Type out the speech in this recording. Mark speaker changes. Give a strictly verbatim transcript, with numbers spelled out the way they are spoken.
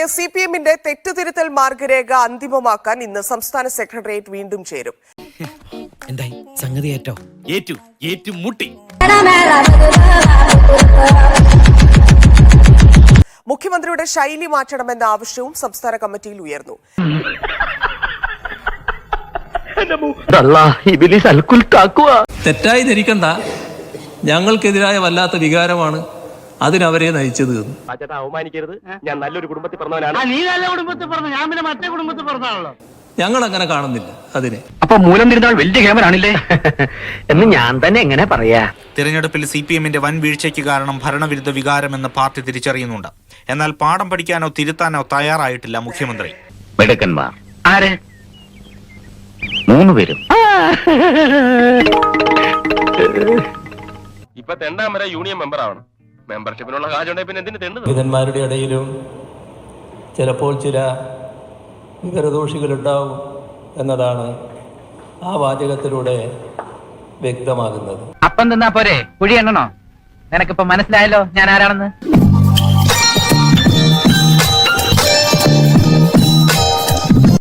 Speaker 1: മണിക്ക് C P എമ്മിന്റെ തെറ്റുതിരുത്തൽ മാർഗരേഖ അന്തിമമാക്കാൻ ഇന്ന് സംസ്ഥാന സെക്രട്ടേറിയറ്റ് വീണ്ടും ചേരും.
Speaker 2: എന്തായി സംഗതി ഏറ്റോ
Speaker 3: ഏറ്റു ഏറ്റു മുട്ടി
Speaker 1: മുഖ്യമന്ത്രിയുടെ ശൈലി മാറ്റണമെന്ന ആവശ്യവും സംസ്ഥാന കമ്മിറ്റിയിൽ ഉയർന്നു.
Speaker 4: തെറ്റായി ധരിക്കണ്ട, ഞങ്ങൾക്കെതിരായ വല്ലാത്ത വികാരമാണ് അതിനവരെ നയിച്ചത്.
Speaker 5: അവമാനിക്കരുത്, ഞാൻ നല്ലൊരു കുടുംബത്തിൽ പറഞ്ഞവനാണ്. നീ നല്ല കുടുംബത്തിൽ പറഞ്ഞു, ഞാൻ പിന്നെ മറ്റേ കുടുംബത്തിൽ പറഞ്ഞാണല്ലോ.
Speaker 4: ഞങ്ങൾ അങ്ങനെ കാണുന്നില്ല അതിനെ.
Speaker 5: അപ്പൊ മൂലം തിരുന്നാൾ വലിയ ക്യാമറാണില്ലേ എന്ന് ഞാൻ തന്നെ എങ്ങനെ പറയാ?
Speaker 3: തിരഞ്ഞെടുപ്പിൽ സി പി എമ്മിന്റെ വൻ വീഴ്ചയ്ക്ക് കാരണം ഭരണവിരുദ്ധ വികാരമെന്ന് പാർട്ടി തിരിച്ചറിയുന്നുണ്ട്. എന്നാൽ പാഠം പഠിക്കാനോ തിരുത്താനോ തയ്യാറായിട്ടില്ല മുഖ്യമന്ത്രി.
Speaker 5: മിടുക്കന്മാർ ആര്? മൂന്ന് പേരും. ഇപ്പൊ തെണ്ടാൻ വരെ യൂണിയൻ മെമ്പർ ആവണം. മെമ്പർഷിപ്പിനുള്ള കാശുണ്ടെങ്കിൽ പിന്നെ എന്തിനു തെണ്ടു?
Speaker 4: വിധന്മാരുടെ ഇടയിലും ചിലപ്പോൾ ചില വിവരദോഷികളുണ്ടാവും എന്നതാണ് ആ വാചകത്തിലൂടെ വ്യക്തമാകുന്നത്.
Speaker 6: അപ്പം തന്നാ പോരെ, കുഴി എണ്ണണോ? നിനക്കിപ്പോ മനസ്സിലായല്ലോ ഞാൻ ആരാണെന്ന്.